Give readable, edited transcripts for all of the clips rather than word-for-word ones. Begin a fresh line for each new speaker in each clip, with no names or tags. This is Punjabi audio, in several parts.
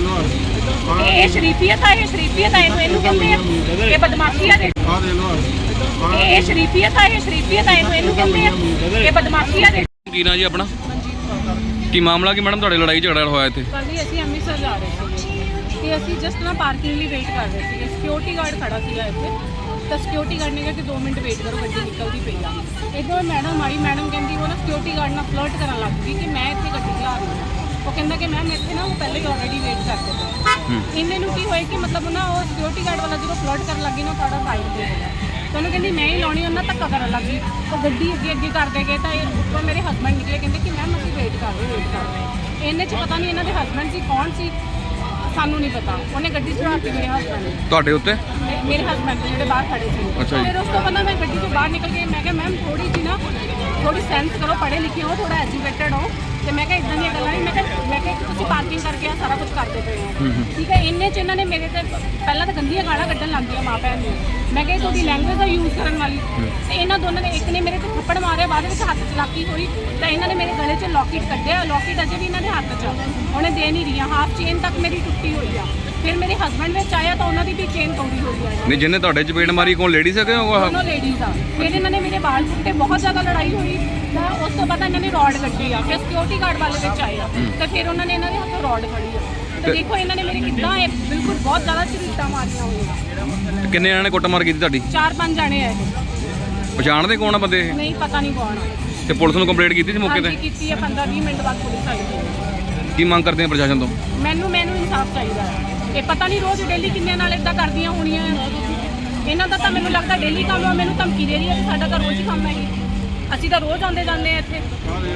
ਇਹ ਸ਼ਰੀਫੀਅਤ ਆ, ਇਹ ਸ਼ਰੀਫੀਅਤ ਆ, ਇਹਨੂੰ ਕਹਿੰਦੇ ਆ। ਇਹ ਬਦਮਾਸ਼ੀ ਆ, ਇਹ ਸ਼ਰੀਫੀਅਤ ਆ, ਇਹ ਸ਼ਰੀਫੀਅਤ ਆ, ਇਹਨੂੰ ਕਹਿੰਦੇ ਆ। ਇਹ ਬਦਮਾਸ਼ੀ ਆ।
ਕੀ ਨਾਂ ਜੀ ਆਪਣਾ? ਕੀ ਮਾਮਲਾ ਕੀ ਮੈਡਮ ਤੁਹਾਡੇ ਲੜਾਈ ਝਗੜਾ ਹੋਇਆ ਇੱਥੇ?
ਕੱਲ ਹੀ ਅਸੀਂ ਅੰਮ੍ਰਿਤਸਰ ਜਾ ਰਹੇ ਸੀ ਤੇ ਅਸੀਂ ਜਸਟ ਨਾ ਪਾਰਕਿੰਗ ਲਈ ਵੇਟ ਕਰ ਰਹੇ ਸੀ। ਸਿਕਿਉਰਿਟੀ ਗਾਰਡ ਖੜਾ ਸੀਗਾ ਇੱਥੇ, ਤਾਂ ਸਿਕਿਉਰਿਟੀ ਗਾਰਡ ਨੇ ਕਿਹਾ ਕਿ 2 ਮਿੰਟ ਵੇਟ ਕਰੋ, ਗੱਡੀ ਨਿਕਲਦੀ ਪਈ ਆ। ਇੱਧਰ ਮੈਡਮ ਆਈ, ਮੈਡਮ ਕਹਿੰਦੀ ਉਹ ਨਾ ਸਿਕਿਉਰਿਟੀ ਗਾਰਡ ਨਾਲ ਫਲਰਟ ਕਰਨ ਲੱਗ ਗਈ ਕਿ ਮੈਂ ਇੱਥੇ ਗੱਡੀ ਚਲਾ ਰਹੀ ਹਾਂ। ਉਹ ਕਹਿੰਦਾ ਕਿ ਮੈਮ ਇੱਥੇ ਨਾ ਉਹ ਪਹਿਲੇ ਹੀ ਆਲਰੇਡੀ ਵੇਟ ਕਰਦੇ ਪਏ। ਇੰਨੇ ਨੂੰ ਕੀ ਹੋਇਆ ਕਿ ਮਤਲਬ ਨਾ ਉਹ ਸਿਕਿਉਰਿਟੀ ਗਾਰਡ ਵਾਲਾ ਜਦੋਂ ਫਲਰਟ ਕਰਨ ਲੱਗੀ ਨਾ ਸਾਡਾ ਸਾਈਡ ਤੇ ਹੋ ਗਿਆ। ਤਾਂ ਉਹਨੂੰ ਕਹਿੰਦੀ ਮੈਂ ਹੀ ਲਾਉਣੀ, ਉਹਨਾਂ ਧੱਕਾ ਕਰਨ ਲੱਗ ਗਈ। ਉਹ ਗੱਡੀ ਅੱਗੇ ਕਰਦੇ ਗਏ ਤਾਂ ਇਹ ਉੱਪਰ ਮੇਰੇ ਹਸਬੈਂਡ ਨਿਕਲੇ, ਕਹਿੰਦੇ ਕਿ ਮੈਮ ਅਸੀਂ ਵੇਟ ਕਰ ਰਹੇ। ਇਹਨੇ 'ਚ ਪਤਾ ਨਹੀਂ ਇਹਨਾਂ ਦੇ ਹਸਬੈਂਡ ਸੀ ਕੌਣ ਸੀ, ਸਾਨੂੰ ਨਹੀਂ ਪਤਾ। ਉਹਨੇ ਗੱਡੀ ਚੜਾਤੀ ਮੇਰੇ ਹਸਬੈਂਡ ਨੇ।
ਤੁਹਾਡੇ ਉੱਤੇ?
ਮੇਰੇ ਹਸਬੈਂਡ ਜਿਹੜੇ ਬਾਹਰ ਖੜੇ ਸੀ। ਫਿਰ ਉਸ ਤੋਂ ਬਾਅਦ ਮੈਂ ਗੱਡੀ ਤੋਂ ਬਾਹਰ ਨਿਕਲ ਕੇ ਮੈਂ ਕਿਹਾ ਮੈਮ ਥੋੜੀ ਸੈਂਸ ਕਰੋ, ਪੜ੍ਹੇ ਲਿਖੇ ਹੋ, ਥੋੜਾ ਐਜੂਕੇਟਡ ਹੋ। ਤੇ ਮੈਂ ਕਿਹਾ ਇਦਾਂ ਦੀਆਂ ਗੱਲਾਂ ਨਹੀਂ। ਮੈਂ ਕਿਹਾ ਤੁਸੀਂ ਪਾਰਕਿੰਗ ਕਰਕੇ ਆ ਸਾਰਾ ਕੁਝ ਕਰਦੇ ਪਏ ਹੋ, ਠੀਕ ਹੈ। ਇੰਨੇ 'ਚ ਇਹਨਾਂ ਨੇ ਮੇਰੇ ਤੇ ਪਹਿਲਾਂ ਤਾਂ ਗੰਦੀਆਂ ਗਾਲਾਂ ਕੱਢਣ ਲੱਗ ਗਈਆਂ ਮਾਂ ਭੈਣ ਨੂੰ। ਮੈਂ ਕਿਹਾ ਤੁਹਾਡੀ ਲੈਂਗੁਏਜ ਦਾ ਯੂਜ਼ ਕਰਨ ਵਾਲੀ। ਤੇ ਇਹਨਾਂ ਦੋਨਾਂ ਨੇ, ਇੱਕ ਨੇ ਮੇਰੇ ਤੇ ਥੱਪੜ ਮਾਰਿਆ, ਬਾਅਦ ਵਿੱਚ ਹੱਥ ਚਲਾਕੀ ਹੋਈ ਤਾਂ ਇਹਨਾਂ ਨੇ ਮੇਰੇ ਗਲੇ 'ਚ ਲੌਕਟ ਕੱਢਿਆ। ਲੌਕਟ ਅਜੇ ਵੀ ਇਹਨਾਂ ਦੇ ਹੱਥ 'ਚ, ਉਹਨੇ ਦੇ ਨਹੀਂ ਰਹੀਆਂ। ਹਾਫ ਚੇਨ ਤੱਕ ਮੇਰੀ ਟੁੱਟੀ ਹੋਈ ਆ। ਫਿਰ ਮੇਰੇ ਹਸਬੈਂਡ ਵਿੱਚ ਆਇਆ ਤਾਂ ਉਹਨਾਂ ਦੀ ਵੀ ਚੇਨ ਤੋੜੀ ਹੋਈ ਆ।
ਨਹੀਂ, ਜਿਹਨੇ ਤੁਹਾਡੇ ਚਪੇੜ ਮਾਰੀ ਕੌਣ, ਲੇਡੀਜ਼ ਹੈਗੇ?
ਦੋਨੋਂ ਲੇਡੀਜ਼ ਆ। ਫਿਰ ਇਹਨਾਂ ਨੇ ਮੇਰੇ ਵਾਲ ਪੁੱਟੇ, ਬਹੁਤ ਜ਼ਿਆਦਾ ਲੜਾਈ ਹੋਈ। ਤਾਂ ਉਸ ਤੋਂ ਬਾਅਦ ਇਹਨਾਂ ਨੇ ਰੋਡ ਕੱਢੀ ਆ। ਫਿਰ ਸਿਕਿਉਰਿਟੀ ਗਾਰਡ ਵਾਲੇ ਵਿੱਚ ਆਏ ਆ ਤਾਂ ਫਿਰ ਉਹਨਾਂ ਨੇ ਇਹਨਾਂ ਦੇ ਹੱਥੋਂ ਰੋਡ ਫੜੀ ਆ। ਤਾਂ ਦੇਖੋ ਇਹਨਾਂ ਨੇ ਮੇਰੇ ਕਿੱਦਾਂ ਇਹ ਬਿਲਕੁਲ ਬਹੁਤ ਜ਼ਿਆਦਾ ਝਰੀਟਾਂ ਮਾਰੀਆਂ ਹੋਈਆਂ।
ਕਿੰਨੇ ਜਣੇ ਨੇ ਕੁੱਟਮਾਰ ਕੀਤੀ ਤੁਹਾਡੀ?
4-5 ਜਾਣੇ ਆ ਇਹ।
ਪਛਾਣਦੇ ਕੌਣ ਆ ਬੰਦੇ ਇਹ?
ਨਹੀਂ, ਪਤਾ ਨਹੀਂ ਕੌਣ ਆ।
ਤੇ ਪੁਲਿਸ ਨੂੰ ਕੰਪਲੇਂਟ ਕੀਤੀ ਸੀ ਮੌਕੇ ਤੇ?
ਕੀਤੀ ਆ। 15-20 ਮਿੰਟ ਬਾਅਦ ਪੁਲਿਸ ਆਈ।
ਕੀ ਮੰਗ ਕਰਦੇ ਆ ਪ੍ਰਸ਼ਾਸਨ ਤੋਂ?
ਮੈਨੂੰ ਇਨਸਾਫ ਚਾਹੀਦਾ ਹੈ। ਇਹ ਪਤਾ ਨਹੀਂ ਰੋਜ਼ ਡੇਲੀ ਕਿੰਨਿਆਂ ਨਾਲ ਇਦਾਂ ਕਰਦੀਆਂ ਹੋਣੀਆਂ। ਇਹਨਾਂ ਦਾ ਤਾਂ ਮੈਨੂੰ ਲੱਗਦਾ ਡੇਲੀ ਕੰਮ ਆ। ਮੈਨੂੰ ਧਮਕੀ ਦੇ ਰਹੀ ਹੈ। ਸਾਡਾ ਤਾਂ ਰੋਜ਼ ਹੀ ਕੰਮ ਹੈ। ਅਸੀਂ ਤਾਂ ਰੋਜ਼ ਆਉਂਦੇ ਜਾਂਦੇ ਆ ਇੱਥੇ।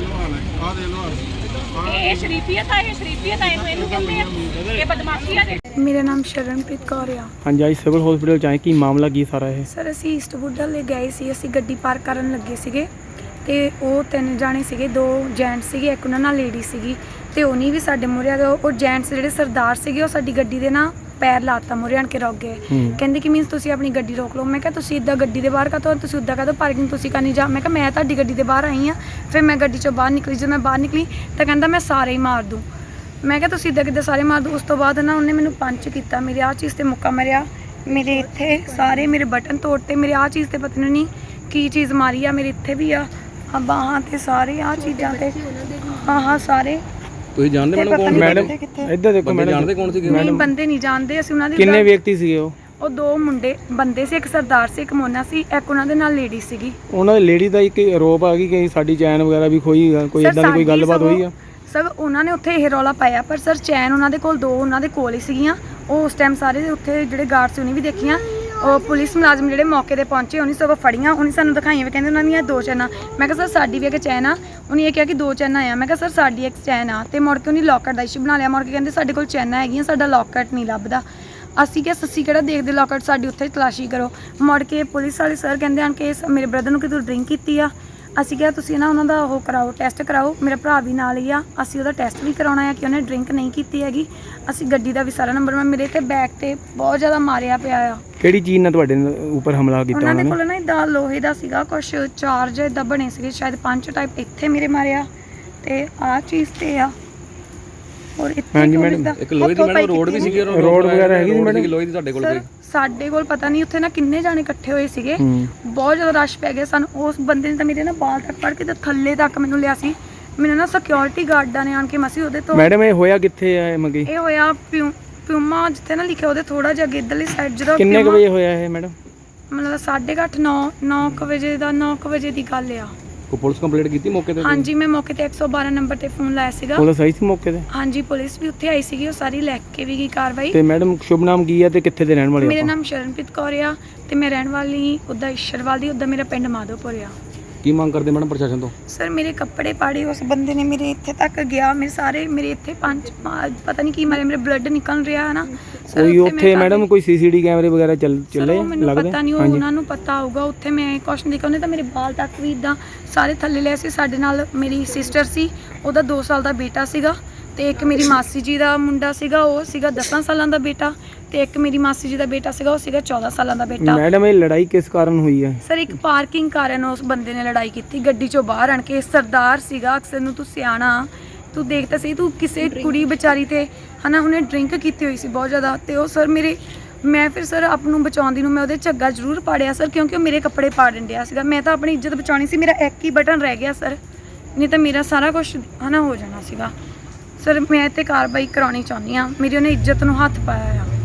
ਇਹ ਸ਼ਰੀਫੀਅਤ ਆ, ਇਹ ਸ਼ਰੀਫੀਅਤ ਆ, ਇਹਨੂੰ ਕਹਿੰਦੇ ਆ। ਇਹ ਬਦਮਾਸ਼ੀ ਆ।
ਮੇਰਾ ਨਾਮ ਸ਼ਰਨਪ੍ਰੀਤ ਕੌਰ ਆ।
ਹਾਂਜੀ, ਅੱਜ ਸਿਵਲ ਹਸਪੀਟਲ ਚ ਆਏ, ਕੀ ਮਾਮਲਾ ਕੀ ਸਾਰਾ ਇਹ?
ਸਰ ਅਸੀਂ ਈਸਟਵੁੱਡ ਲੈ ਗਏ ਸੀ। ਅਸੀਂ ਗੱਡੀ ਪਾਰਕ ਕਰਨ ਲੱਗੇ ਸੀਗੇ ਤੇ ਉਹ 3 ਜਾਣੇ ਸੀਗੇ, 2 ਜੈਂਟਸ ਸੀਗੇ, ਇੱਕ ਉਹਨਾਂ ਨਾਲ ਲੇਡੀ ਸੀਗੀ। ਤੇ ਉਹਨੀ ਵੀ ਸਾਡੇ ਮੂਹਰੇ ਆ ਗਏ। ਉਹ ਜੈਂਟਸ ਜਿਹੜੇ ਸਰਦਾਰ ਸੀਗੇ ਉਹ ਸਾਡੀ ਗੱਡੀ ਦੇ ਨਾ ਪੈਰ ਲਾਤਾ, ਮੂਹਰੇ ਆਣ ਕੇ ਰੁਕ ਗਏ। ਕਹਿੰਦੇ ਕਿ ਮੀਨਸ ਤੁਸੀਂ ਆਪਣੀ ਗੱਡੀ ਰੋਕ ਲਓ। ਮੈਂ ਕਿਹਾ ਤੁਸੀਂ ਇੱਦਾਂ ਗੱਡੀ ਦੇ ਬਾਹਰ ਕਾਹਤੋਂ, ਤੁਸੀਂ ਉੱਦਾਂ ਕਾਹਤੋਂ ਪਾਰਕਿੰਗ ਤੁਸੀਂ ਕਰਨੀ ਜਾ। ਮੈਂ ਕਿਹਾ ਮੈਂ ਤੁਹਾਡੀ ਗੱਡੀ ਦੇ ਬਾਹਰ ਆਈ ਹਾਂ। ਫਿਰ ਮੈਂ ਗੱਡੀ 'ਚੋਂ ਬਾਹਰ ਨਿਕਲੀ। ਜਦੋਂ ਮੈਂ ਬਾਹਰ ਨਿਕਲੀ ਤਾਂ ਕਹਿੰਦਾ ਮੈਂ ਸਾਰੇ ਹੀ ਮਾਰ ਦੂੰ। ਮੈਂ ਕਿਹਾ ਤੁਸੀਂ ਇੱਦਾਂ ਕਿੱਦਾਂ ਸਾਰੇ ਮਾਰ ਦੂੰ। ਉਸ ਤੋਂ ਬਾਅਦ ਨਾ ਉਹਨੇ ਮੈਨੂੰ ਪੰਚ ਕੀਤਾ, ਮੇਰੇ ਆਹ ਚੀਜ਼ 'ਤੇ ਮੁੱਕਾ ਮਾਰਿਆ, ਮੇਰੇ ਇੱਥੇ ਸਾਰੇ ਮੇਰੇ ਬਟਨ ਤੋੜਤੇ, ਮੇਰੇ ਆਹ ਚੀਜ਼ 'ਤੇ ਪਤਾ ਨਹੀਂ ਕੀ ਚੀਜ਼ ਮਾਰੀ ਆ, ਮੇਰੇ ਇੱਥੇ ਵੀ ਆ ਬਾਹਾਂ 'ਤੇ ਸਾਰੇ ਆਹ ਚੀਜ਼ਾਂ 'ਤੇ। ਹਾਂ ਸਾਰੇ।
ਤੁਸੀਂ ਜਾਣਦੇ ਮੈਡਮ ਕੌਣ?
ਮੈਡਮ ਇੱਧਰ ਦੇਖੋ ਮੈਡਮ,
ਜਾਣਦੇ ਕੌਣ ਸੀਗੇ?
ਨਹੀਂ, ਬੰਦੇ ਨਹੀਂ ਜਾਣਦੇ ਅਸੀਂ ਉਹਨਾਂ ਦੇ।
ਕਿੰਨੇ ਵਿਅਕਤੀ ਸੀਗੇ ਉਹ?
ਉਹ 2 ਬੰਦੇ ਸੀ, ਇੱਕ ਸਰਦਾਰ ਸੀ, ਇੱਕ ਮੋਨਾ ਸੀ, ਇੱਕ ਉਹਨਾਂ ਦੇ ਨਾਲ ਲੇਡੀ ਸੀਗੀ।
ਉਹਨਾਂ ਦੇ ਲੇਡੀ ਦਾ ਇੱਕ ਆਰੋਪ ਆ ਕਿ ਸਾਡੀ ਚੈਨ ਵਗੈਰਾ ਵੀ ਖੋਈ, ਕੋਈ ਇਦਾਂ ਦੀ ਕੋਈ ਗੱਲਬਾਤ ਹੋਈ ਆ?
ਸਰ ਉਹਨਾਂ ਨੇ ਉੱਥੇ ਇਹ ਰੌਲਾ ਪਾਇਆ, ਪਰ ਸਰ ਚੈਨ ਉਹਨਾਂ ਦੇ ਕੋਲ 2 ਉਹਨਾਂ ਦੇ ਕੋਲ ਹੀ ਸੀਗੀਆਂ। ਉਹ ਉਸ ਟਾਈਮ ਸਾਰੇ ਉੱਥੇ ਜਿਹੜੇ ਗਾਰਡ ਸੀ ਉਹਨੇ ਵੀ ਦੇਖੀਆਂ। ਉਹ ਪੁਲਿਸ ਮੁਲਾਜ਼ਮ ਜਿਹੜੇ ਮੌਕੇ ਤੇ ਪਹੁੰਚੇ ਉਹਨੇ ਸਗੋਂ ਫੜੀਆਂ, ਉਹਨੇ ਸਾਨੂੰ ਦਿਖਾਈਆਂ ਵੀ ਕਹਿੰਦੇ ਉਹਨਾਂ ਦੀਆਂ 2 ਚੈਨਾਂ। ਮੈਂ ਕਿਹਾ ਸਰ ਸਾਡੀ ਵੀ ਇੱਕ ਚੈਨ ਆ। ਉਹਨੇ ਇਹ ਕਿਹਾ ਕਿ 2 ਚੈਨਾਂ ਆ। ਮੈਂ ਕਿਹਾ ਸਰ ਸਾਡੀ ਇੱਕ ਚੈਨ ਆ। ਤੇ ਮੁੜ ਕੇ ਉਹਨੇ ਲੌਕਟ ਦਾ ਇਸ਼ੂ ਬਣਾ ਲਿਆ। ਮੁੜ ਕੇ ਕਹਿੰਦੇ ਸਾਡੇ ਕੋਲ ਚੈਨਾਂ ਹੈਗੀਆਂ, ਸਾਡਾ ਲੌਕਟ ਨਹੀਂ ਲੱਭਦਾ। ਅਸੀਂ ਕਿਹਾ ਸੱਸੀ ਕਿਹੜਾ ਦੇਖਦੇ ਲੌਕਟ, ਸਾਡੀ ਉੱਥੇ ਤਲਾਸ਼ੀ ਕਰੋ। ਮੁੜ ਕੇ ਪੁਲਿਸ ਵਾਲੇ ਸਰ ਕਹਿੰਦੇ ਹਨ ਕਿ ਮੇਰੇ ਬ੍ਰਦਰ ਨੂੰ ਕਿ ਤੂੰ ਡਰਿੰਕ ਕੀਤੀ ਆ। ਅਸੀਂ ਕਿਹਾ ਤੁਸੀਂ ਨਾ ਉਹਨਾਂ ਦਾ ਉਹ ਕਰਾਓ, ਟੈਸਟ ਕਰਾਓ। ਮੇਰਾ ਭਰਾ ਵੀ ਨਾਲ ਹੀ ਆ, ਅਸੀਂ ਉਹਦਾ ਟੈਸਟ ਵੀ ਕਰਾਉਣਾ ਆ ਕਿ ਉਹਨੇ ਡਰਿੰਕ ਨਹੀਂ ਕੀਤੀ ਹੈਗੀ। ਅਸੀਂ ਗੱਡੀ ਦਾ ਵੀ ਸਾਰਾ ਨੰਬਰ, ਮੈਂ ਮੇਰੇ ਤੇ ਬੈਕ ਤੇ ਬਹੁਤ ਜ਼ਿਆਦਾ ਮਾਰਿਆ ਪਿਆ ਆ।
ਕਿਹੜੀ ਚੀਜ਼ ਨਾਲ ਤੁਹਾਡੇ ਉੱਪਰ ਹਮਲਾ ਕੀਤਾ
ਉਹਨਾਂ ਦੇ ਕੋਲ ਨਾ ਇਦਾਂ ਲੋਹੇ ਦਾ ਸੀਗਾ ਕੁਛ, ਚਾਰਜ ਇਦਾਂ ਬਣੇ ਸੀਗੇ, ਸ਼ਾਇਦ 5 ਟਾਈਪ। ਇੱਥੇ ਮੇਰੇ ਮਾਰਿਆ ਤੇ ਆਹ ਚੀਜ਼ ਤੇ ਆ। ਔਰ ਇੱਥੇ
ਹਾਂਜੀ ਮੈਡਮ,
ਇੱਕ ਲੋਹੇ ਦੀ ਮੈਡਮ ਰੋਡ ਵੀ ਸੀਗੀ,
ਰੋਡ ਵਗੈਰਾ ਹੈਗੀ ਸੀ ਮੈਡਮ?
ਲੋਹੇ ਦੀ ਤੁਹਾਡੇ ਕੋਲ ਕੋਈ?
ਸਾਡੇ ਕੋਲ ਪਤਾ ਨਹੀਂ, ਉੱਥੇ ਨਾ ਕਿੰਨੇ ਜਾਣੇ ਇਕੱਠੇ ਹੋਏ ਸੀਗੇ, ਬਹੁਤ ਜ਼ਿਆਦਾ ਰਸ਼ ਪੈ ਗਿਆ ਸਾਨੂੰ। ਉਸ ਬੰਦੇ ਨੇ ਤਾਂ ਮੇਰੇ ਨਾ ਬਾਲ ਤੱਕ ਫੜ ਕੇ ਤੇ ਥੱਲੇ ਤੱਕ ਮੈਨੂੰ ਲਿਆ ਸੀ। ਮੈਨੂੰ ਨਾ ਸਿਕਿਉਰਿਟੀ ਗਾਰਡਾਂ ਨੇ ਆਣ ਕੇ ਮਸੀ ਉਹਦੇ ਤੋਂ।
ਮੈਡਮ ਇਹ ਹੋਇਆ ਕਿੱਥੇ ਆ ਮੰਗੀ?
ਇਹ ਹੋਇਆ ਪਿਊਮਾ ਜਿੱਥੇ ਨਾ ਲਿਖਿਆ ਉਹਦੇ ਥੋੜਾ ਜਿਹਾ ਅੱਗੇ ਇੱਧਰਲੀ ਸਾਈਡ। ਜਦੋਂ
ਕਿੰਨੇ ਕੁ ਵਜੇ ਹੋਇਆ ਇਹ ਮੈਡਮ?
ਮਤਲਬ 8:30 9 ਵਜੇ ਦਾ, 9 ਵਜੇ ਦੀ ਗੱਲ ਆ।
ਕੋਈ ਪੁਲਿਸ ਕੰਪਲੇਂਟ ਕੀਤੀ ਮੌਕੇ ਤੇ?
ਹਾਂਜੀ, ਮੈਂ ਮੌਕੇ ਤੇ 112 ਨੰਬਰ ਤੇ ਫੋਨ ਲਾਇਆ ਸੀਗਾ।
ਪੁਲਿਸ ਆਈ ਸੀ ਮੌਕੇ ਤੇ?
ਹਾਂਜੀ, ਪੁਲਿਸ ਵੀ ਉੱਥੇ ਆਈ ਸੀਗੀ, ਉਹ ਸਾਰੀ ਲੈ ਕੇ ਵੀ ਗਈ ਕਾਰਵਾਈ।
ਤੇ ਮੈਡਮ ਸ਼ੁਭ ਨਾਮ ਕੀ ਆ ਤੇ ਕਿੱਥੇ ਦੇ ਰਹਿਣ ਵਾਲੇ?
ਮੇਰਾ ਨਾਮ ਸ਼ਰਨਪ੍ਰੀਤ ਕੌਰ ਆ ਤੇ ਮੈਂ ਰਹਿਣ ਵਾਲੀ ਉੱਦਾਂ ਈਸ਼ਰਵਾਲ ਦੀ, ਉੱਦਾਂ ਮੇਰਾ ਪਿੰਡ ਮਾਧੋਪੁਰ ਆ।
ਕੀ ਮੰਗ ਕਰਦੇ ਮੈਡਮ ਪ੍ਰਸ਼ਾਸਨ ਤੋਂ?
ਸਰ ਮੇਰੇ ਕੱਪੜੇ ਪਾੜੇ ਉਸ ਬੰਦੇ ਨੇ, ਮੇਰੇ ਇੱਥੇ ਤੱਕ ਗਿਆ, ਮੇਰੇ ਸਾਰੇ ਮੇਰੇ ਇੱਥੇ ਪਤਾ ਨਹੀਂ ਕੀ ਮਾਰੇ, ਮੇਰੇ ਬਲੱਡ ਨਿਕਲ ਰਿਹਾ ਹੈ ਨਾ।
ਕੋਈ ਉੱਥੇ ਮੈਡਮ ਕੋਈ ਸੀਸੀਟੀ ਕੈਮਰੇ ਵਗੈਰਾ ਚੱਲੇ?
ਮੈਨੂੰ ਪਤਾ ਨਹੀਂ, ਉਹਨਾਂ ਨੂੰ ਪਤਾ ਹੋਊਗਾ। ਉੱਥੇ ਮੈਂ ਕੁਛ ਨਹੀਂ ਕਹਿੰਦੇ ਤਾਂ ਮੇਰੇ ਬਾਲ ਤੱਕ ਵੀ ਇਦਾਂ ਸਾਰੇ ਥੱਲੇ ਲਿਆ ਸੀ। ਸਾਡੇ ਨਾਲ ਮੇਰੀ ਸਿਸਟਰ ਸੀ, ਉਹਦਾ 2 ਸਾਲ ਦਾ ਬੇਟਾ ਸੀਗਾ। ਤੇ ਇੱਕ ਮੇਰੀ ਮਾਸੀ ਜੀ ਦਾ ਮੁੰਡਾ ਸੀਗਾ, ਉਹ ਸੀਗਾ 10 ਸਾਲਾਂ ਦਾ ਬੇਟਾ। ਤੇ ਇੱਕ ਮੇਰੀ ਮਾਸੀ ਜੀ ਦਾ ਬੇਟਾ ਸੀਗਾ, ਉਹ ਸੀਗਾ 14 ਸਾਲਾਂ ਦਾ ਬੇਟਾ।
ਮੈਡਮ ਇਹ ਲੜਾਈ ਕਿਸ ਕਾਰਨ ਹੋਈ ਹੈ?
ਸਰ ਇੱਕ ਪਾਰਕਿੰਗ ਕਾਰਨ ਉਸ ਬੰਦੇ ਨੇ ਲੜਾਈ ਕੀਤੀ, ਗੱਡੀ ਚੋਂ ਬਾਹਰ ਆਣ ਕੇ। ਸਰਦਾਰ ਸੀਗਾ, ਅਕਸਰ ਨੂੰ ਤੂੰ ਸਿਆਣਾ ਤੂੰ ਦੇਖ ਤਾਂ ਸਹੀ, ਤੂੰ ਕਿਸੇ ਕੁੜੀ ਵਿਚਾਰੀ ਤੇ ਹਨਾ ਉਹਨੇ ਡਰਿੰਕ ਕੀਤੀ ਹੋਈ ਸੀ ਬਹੁਤ ਜ਼ਿਆਦਾ, ਤੇ ਉਹ ਸਰ ਮੈਂ ਫਿਰ ਸਰ ਆਪ ਨੂੰ ਬਚਾਉਂਦੀ ਨੂੰ ਮੈਂ ਉਹਦੇ ਝੱਗਾ ਜ਼ਰੂਰ ਪਾੜਿਆ ਸਰ, ਕਿਉਂਕਿ ਉਹ ਮੇਰੇ ਕੱਪੜੇ ਪਾੜਨ ਡਿਆ ਸੀਗਾ। ਮੈਂ ਤਾਂ ਆਪਣੀ ਇੱਜ਼ਤ ਬਚਾਉਣੀ ਸੀ, ਮੇਰਾ ਇੱਕ ਹੀ ਬਟਨ ਰਹਿ ਗਿਆ ਸਰ, ਨਹੀਂ ਤਾਂ ਮੇਰਾ ਸਾਰਾ ਕੁਝ ਹਨਾ ਹੋ ਜਾਣਾ ਸੀਗਾ। ਸਰ ਮੈਂ ਤੇ ਕਾਰਵਾਈ ਕਰਾਉਣੀ ਚਾਹੁੰਦੀ ਹਾਂ, ਮੇਰੀ ਉਹਨੇ ਇੱਜ਼ਤ ਨੂੰ ਹੱਥ ਪਾਇਆ ਆ।